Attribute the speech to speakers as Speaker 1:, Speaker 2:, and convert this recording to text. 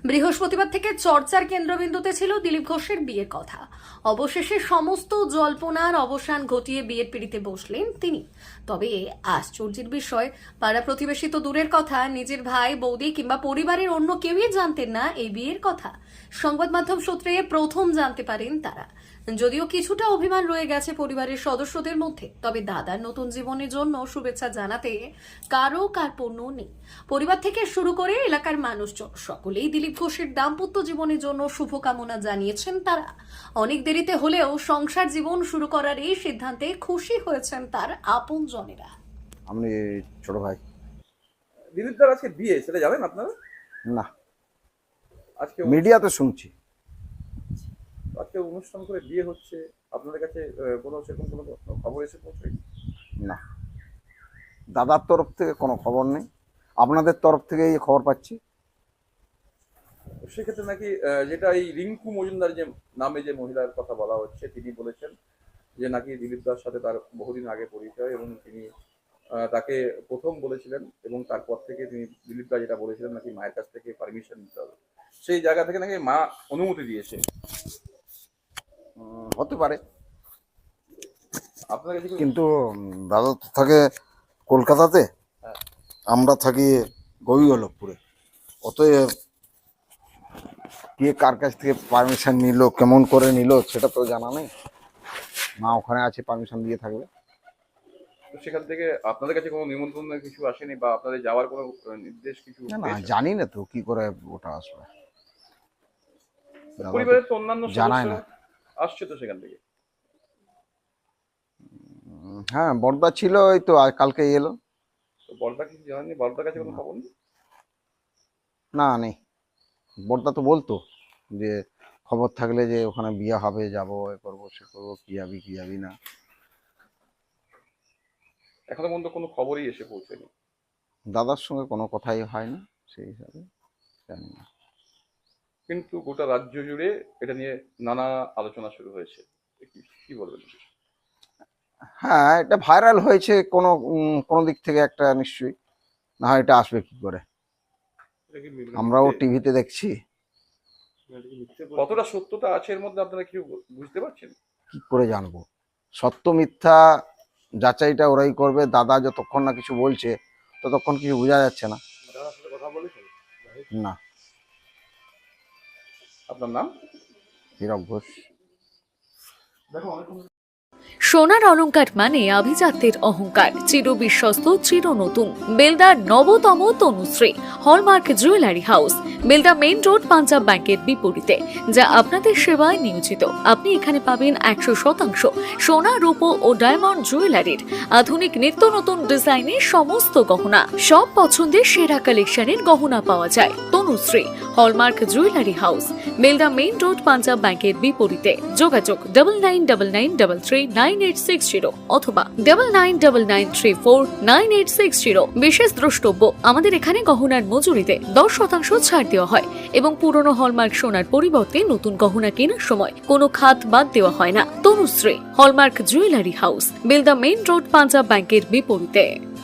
Speaker 1: বৃহস্পতিবার থেকে চর্চার কেন্দ্রবিন্দুতে ছিল দিলীপ ঘোষের বিয়ের কথা। অবশেষে সমস্ত জল্পনার অবসান ঘটিয়ে বিয়ের পিঁড়িতে বসলেন তিনি। তবে আশ্চর্যের বিষয়, পাড়া প্রতিবেশী তো দূরের কথা, নিজের ভাই বৌদি কিংবা পরিবারের অন্য কেউই জানতেন না এই বিয়ের কথা। সংবাদ মাধ্যম সূত্রে প্রথম জানতে পারেন তারা। যদিও কিছুটা অভিমান রয়ে গেছে পরিবারের সদস্যদের মধ্যে, তবে দাদার নতুন জীবনের জন্য শুভেচ্ছা জানাতে কারো কার্পণ্য নেই। পরিবার থেকে শুরু করে এলাকার মানুষজন সকলেই দিলীপ ঘোষের দাম্পত্য জীবনের জন্য শুভকামনা জানিয়েছেন তারা। অনেক দেরিতে হলেও সংসার জীবন শুরু করার এই সিদ্ধান্তে খুশি হয়েছেন তার আপনজনেরা।
Speaker 2: আমি ছোট ভাই।
Speaker 3: দিলীপ দার আজকে বিয়ে, সেটা জানেন আপনারা?
Speaker 2: না,
Speaker 3: আজকে
Speaker 2: মিডিয়াতে শুনছি।
Speaker 3: আজকে অনুষ্ঠান করে বিয়ে হচ্ছে, আপনাদের কাছে কোনো সেরকম কোনো খবর এসে পৌঁছায়নি?
Speaker 2: না, দাদার তরফ থেকে কোনো খবর নেই, আপনাদের তরফ থেকে এই খবর পাচ্ছি।
Speaker 3: সেক্ষেত্রে নাকি যেটা এই রিঙ্কু মজুমদার যে নামে যে মহিলার কথা বলা হচ্ছে, তিনি বলেছেন যে নাকি দিলীপ দার সাথে তার বহুদিন আগে পরিচয় এবং তিনি তাকে প্রথম বলেছিলেন এবং তারপর থেকে তিনি দিলীপ দা যেটা বলেছিলেন নাকি মায়ের কাছ থেকে পারমিশন নিতে হবে, সেই জায়গা থেকে নাকি মা অনুমতি দিয়েছে।
Speaker 2: হতে পারে,
Speaker 3: আপনার কাছে
Speaker 2: কিন্তু দাদা তো থাকে কলকাতাতে,
Speaker 3: হ্যাঁ।
Speaker 2: আমরা থাকি গোবিন্দপুরে। অতএব কে কার কাছ থেকে পারমিশন নিল, কেমন করে নিল, সেটা তো জানা নেই। মা ওখানে আছে, পারমিশন দিয়ে থাকবে।
Speaker 3: তো সেখান থেকে আপনাদের কাছে কোনো নিমন্ত্রণ কিছু আসেনি বা আপনাদের যাওয়ার কোনো নির্দেশ কিছু
Speaker 2: না না,
Speaker 3: পেয়েছেন?
Speaker 2: জানি না তো কি করে ওটা আসবে। দাদা তো
Speaker 3: পরিবারের তো অন্যান্য
Speaker 2: জানায়
Speaker 3: সদস্য
Speaker 2: না।
Speaker 3: আসছে তো সেখান থেকে।
Speaker 2: হ্যাঁ, বড়দা ছিল, ওই তো কালকে এলো।
Speaker 3: তো বড়দা কিছু জানেননি? বড়দার কাছে কোনো খবর নেই?
Speaker 2: না, নেই। বড়দা তো বলতো যে খবর থাকলে যে ওখানে বিয়ে হবে, যাবো, এ করবো সে করবো, কি যাবি কি যাবি না।
Speaker 3: এখনো পর্যন্ত কোনো খবরই এসে পৌঁছেনি।
Speaker 2: দাদার সঙ্গে কোনো কথাই হয় না, সেই হিসাবে জানি না।
Speaker 3: কিন্তু গোটা রাজ্য জুড়ে এটা নিয়ে নানা আলোচনা শুরু হয়েছে। কি বলবেন?
Speaker 2: হ্যাঁ, এটা ভাইরাল হয়েছে কোনো কোনো দিক থেকে একটা, নিশ্চয়ই। না হয় এটা আসবে কি করে? আমরাও টিভিতে দেখছি।
Speaker 3: কতটা সত্যতা আছে এর মধ্যে আপনারা কি বুঝতে পারছেন?
Speaker 2: কি করে জানবো? সত্য মিথ্যা যাচাইটা ওরাই করবে। দাদা যতক্ষণ না কিছু বলছে ততক্ষণ কিছু বোঝা যাচ্ছে না। না।
Speaker 3: আপনার নাম?
Speaker 2: হীরক ঘোষ।
Speaker 3: দেখো
Speaker 4: সোনার অলংকার মানে আভিজাত্যের অহংকার, চির বিশ্বস্ত, চির নতুন। বেলদার নবতম Tanushree hallmark jewellery house, Belda main road, Punjab ব্যাংকের বিপরীতে, যা আপনাদের সেবায় নিয়োজিত। আপনি এখানে পাবেন 100% সোনা, রূপো ও ডায়মন্ড জুয়েলারির আধুনিক নিত্য নতুন ডিজাইনের সমস্ত গহনা। সব পছন্দের সেরা কালেকশনের গহনা পাওয়া যায়। Tanushree hallmark jewellery house, Belda main road, Punjab ব্যাংকের বিপরীতে। যোগাযোগ 9999339860 অথবা 9999349860। বিশেষ দ্রষ্টব্য, আমাদের এখানে গহনার মজুরিতে 10% ছাড় দেওয়া হয় এবং পুরনো হলমার্ক সোনার পরিবর্তে নতুন গহনা কেনার সময় কোনো খাত বাদ দেওয়া হয় না। Tanushree hallmark jewellery house, Belda main road, Punjab ব্যাংকের বিপরীতে।